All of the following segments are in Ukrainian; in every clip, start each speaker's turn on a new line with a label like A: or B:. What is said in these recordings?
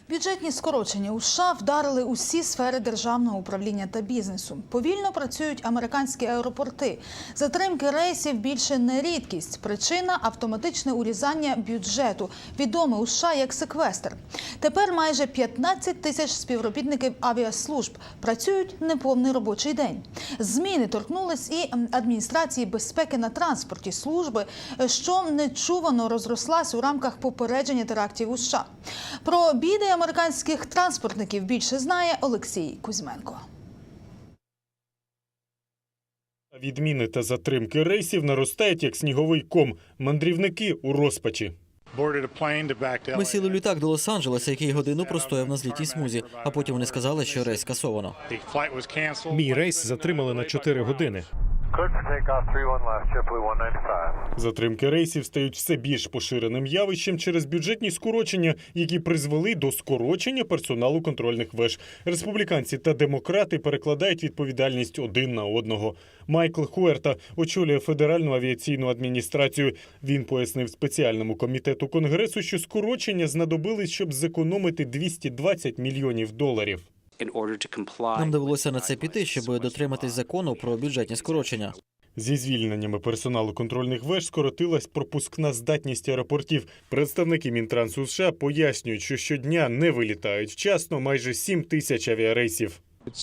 A: Бюджетні скорочення у США вдарили усі сфери державного управління та бізнесу. Повільно працюють американські аеропорти. Затримки рейсів більше не рідкість. Причина – автоматичне урізання бюджету, відоме у США як секвестр. Тепер майже 15 тисяч співробітників авіаслужб працюють неповний робочий день. Зміни торкнулись і адміністрації безпеки на транспорті служби, що нечувано розрослась у рамках попередження терактів у США. Про біди американських транспортників більше знає Олексій Кузьменко.
B: Відміни та затримки рейсів наростають як сніговий ком. Мандрівники у розпачі.
C: Ми сіли в літак до Лос-Анджелеса, який годину простояв на злітній смузі, а потім вони сказали, що рейс скасовано.
D: Мій рейс затримали на 4 години.
B: Затримки рейсів стають все більш поширеним явищем через бюджетні скорочення, які призвели до скорочення персоналу контрольних веж. Республіканці та демократи перекладають відповідальність один на одного. Майкл Хуерта очолює Федеральну авіаційну адміністрацію. Він пояснив спеціальному комітету Конгресу, що скорочення знадобились, щоб зекономити $220 мільйонів.
C: Нам довелося на це піти, щоб дотриматись закону про бюджетні скорочення.
B: Зі звільненнями персоналу контрольних веж скоротилась пропускна здатність аеропортів. Представники Мінтрансу США пояснюють, що щодня не вилітають вчасно майже 7 тисяч авіарейсів.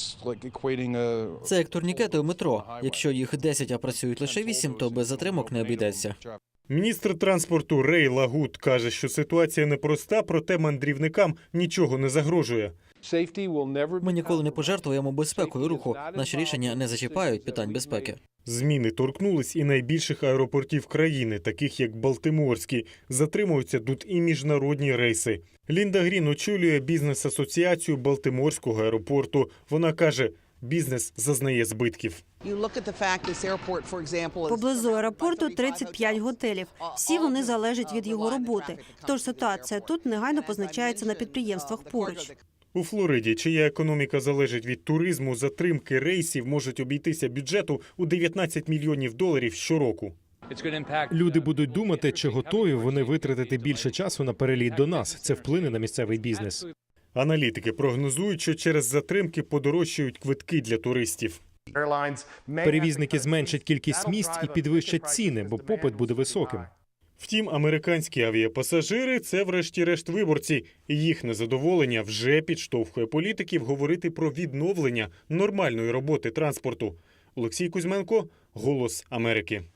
C: Це як турнікети у метро. Якщо їх 10, а працюють лише 8, то без затримок не обійдеться.
B: Міністр транспорту Рей Лагут каже, що ситуація непроста, проте мандрівникам нічого не загрожує.
C: Ми ніколи не пожертвуємо безпекою руху. Наші рішення не зачіпають питань безпеки.
B: Зміни торкнулись і найбільших аеропортів країни, таких як Балтиморський. Затримуються тут і міжнародні рейси. Лінда Грін очолює бізнес-асоціацію Балтиморського аеропорту. Вона каже, бізнес зазнає збитків.
E: Поблизу аеропорту 35 готелів. Всі вони залежать від його роботи. Тож ситуація тут негайно позначається на підприємствах поруч.
B: У Флориді, чия економіка залежить від туризму, затримки рейсів можуть обійтися бюджету у $19 мільйонів щороку.
D: Люди будуть думати, чи готові вони витратити більше часу на переліт до нас. Це вплине на місцевий бізнес.
B: Аналітики прогнозують, що через затримки подорожчають квитки для туристів.
D: Перевізники зменшать кількість місць і підвищать ціни, бо попит буде високим.
B: Втім, американські авіапасажири – це врешті-решт виборці. І їх незадоволення вже підштовхує політиків говорити про відновлення нормальної роботи транспорту. Олексій Кузьменко, «Голос Америки».